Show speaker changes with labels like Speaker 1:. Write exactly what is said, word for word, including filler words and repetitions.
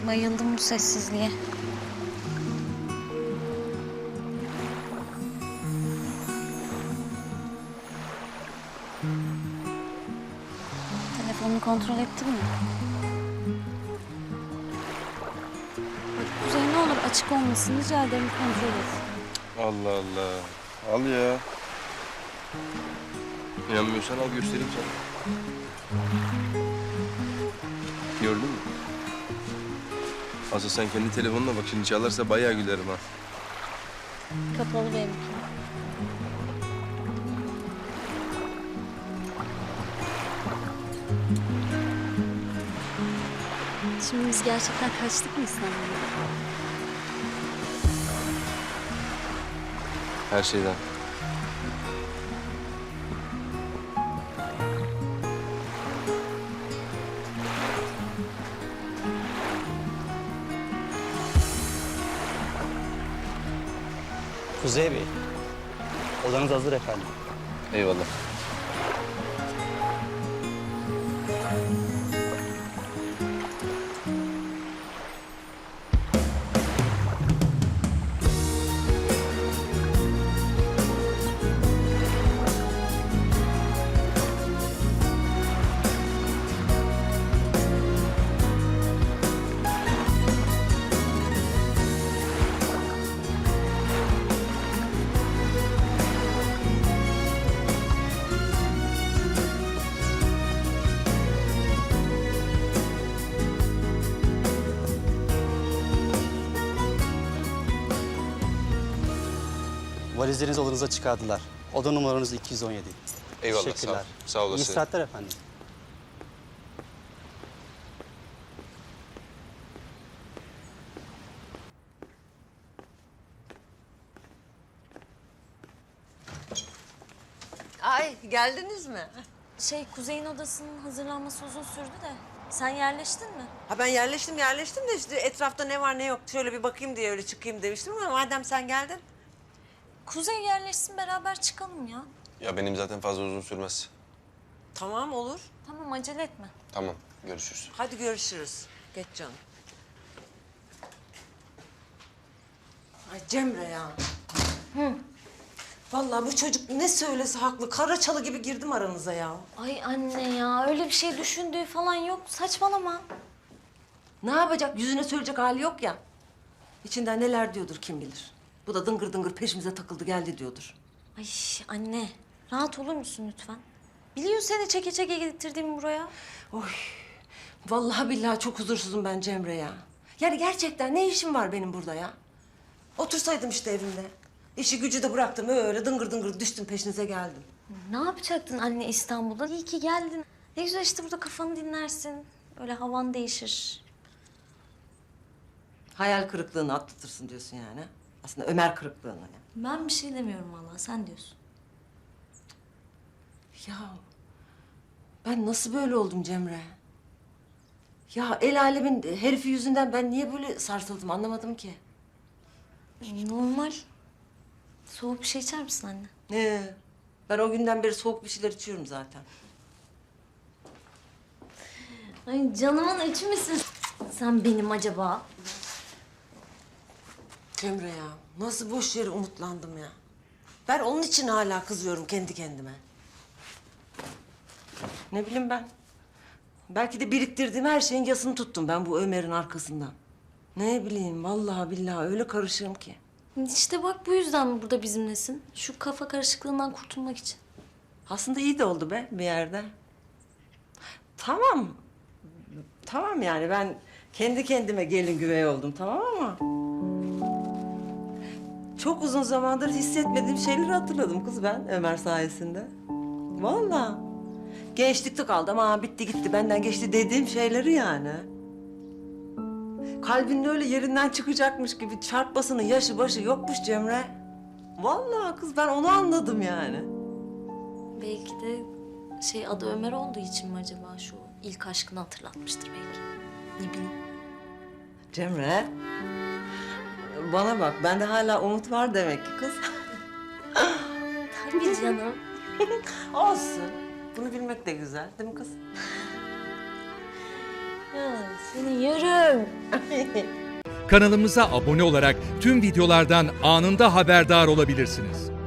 Speaker 1: Bayıldım bu sessizliğe. Telefonunu kontrol ettin mi? Bak Kuzey, ne olur açık olmasın, rica ederim, kontrol et.
Speaker 2: Allah Allah. Al ya. İnanmıyorsan al göstereyim sana. Gördün mü? Asıl sen kendi telefonuna bak, şimdi çalarsa bayağı gülerim ha.
Speaker 1: Kapalı benimki. Şimdi biz gerçekten kaçtık mı İstanbul'a?
Speaker 2: Her şeyden.
Speaker 3: Kuzey Bey, odanız hazır efendim.
Speaker 2: Eyvallah.
Speaker 3: Valizlerinizi odanıza çıkardılar. Oda numaranız iki yüz on yedi.
Speaker 2: Eyvallah,
Speaker 3: Teşekkürler.
Speaker 2: sağ ol. Sağ olasın.
Speaker 3: İyi istirahatler efendim.
Speaker 4: Ay geldiniz mi?
Speaker 1: Şey, Kuzey'in odasının hazırlanması uzun sürdü de. Sen yerleştin mi?
Speaker 4: Ha ben yerleştim yerleştim de işte etrafta ne var ne yok şöyle bir bakayım diye öyle çıkayım demiştim ama madem sen geldin.
Speaker 1: Kuzey yerleşsin, beraber çıkalım ya.
Speaker 2: Ya benim zaten fazla uzun sürmez.
Speaker 4: Tamam olur.
Speaker 1: Tamam, acele etme.
Speaker 2: Tamam, görüşürüz.
Speaker 4: Hadi görüşürüz. Geç canım. Ay Cemre ya. Hı. Vallahi bu çocuk ne söylese haklı. Karaçalı gibi girdim aranıza ya.
Speaker 1: Ay anne ya, öyle bir şey düşündüğü falan yok. Saçmalama.
Speaker 4: Ne yapacak? Yüzüne söyleyecek hali yok ya. İçinden neler diyordur kim bilir. Bu da dıngır dıngır peşimize takıldı geldi diyordur.
Speaker 1: Ay anne, rahat olur musun lütfen? Biliyor seni çeke çeke getirdiğimi buraya.
Speaker 4: Oy. Vallahi billahi çok huzursuzum ben Cemre ya. Yani gerçekten ne işim var benim burada ya? Otursaydım işte evimde. İşi gücü de bıraktım öyle dıngır dıngır düştüm peşinize geldim.
Speaker 1: Ne yapacaktın anne İstanbul'da? İyi ki geldin. Ne güzel işte burada kafanı dinlersin. Öyle havan değişir.
Speaker 4: Hayal kırıklığını atlatırsın diyorsun yani. Aslında Ömer kırıklığını yani.
Speaker 1: Ben bir şey demiyorum vallahi, sen diyorsun.
Speaker 4: Ya ben nasıl böyle oldum Cemre? Ya el alemin herifi yüzünden ben niye böyle sarsıldım anlamadım ki.
Speaker 1: Normal. Soğuk bir şey içer misin anne?
Speaker 4: Ne? Ben o günden beri soğuk bir şeyler içiyorum zaten.
Speaker 1: Ay canımın içi misin sen benim acaba?
Speaker 4: Cemre ya nasıl boş yere umutlandım ya. Ben onun için hala kızıyorum kendi kendime. Ne bileyim ben. Belki de biriktirdiğim her şeyin yasını tuttum ben bu Ömer'in arkasından. Ne bileyim vallahi billahi öyle karışığım ki.
Speaker 1: İşte bak bu yüzden mi burada bizimlesin? Şu kafa karışıklığından kurtulmak için.
Speaker 4: Aslında iyi de oldu be bir yerde. Tamam. Tamam yani ben kendi kendime gelin güvey oldum tamam ama... Çok uzun zamandır hissetmediğim şeyleri hatırladım kız ben Ömer sayesinde. Vallahi. Gençlikte kaldı ama bitti gitti benden geçti dediğim şeyleri yani. Kalbinin öyle yerinden çıkacakmış gibi çarpmasının yaşı başı yokmuş Cemre. Vallahi kız ben onu anladım yani.
Speaker 1: Belki de şey adı Ömer olduğu için mi acaba, şu ilk aşkını hatırlatmıştır belki. Ne bileyim.
Speaker 4: Cemre. Bana bak bende hala umut var demek ki kız.
Speaker 1: Tabii canım.
Speaker 4: Olsun. Bunu bilmek de güzel değil mi kız?
Speaker 1: Ya Seni yerim.
Speaker 5: Kanalımıza abone olarak tüm videolardan anında haberdar olabilirsiniz.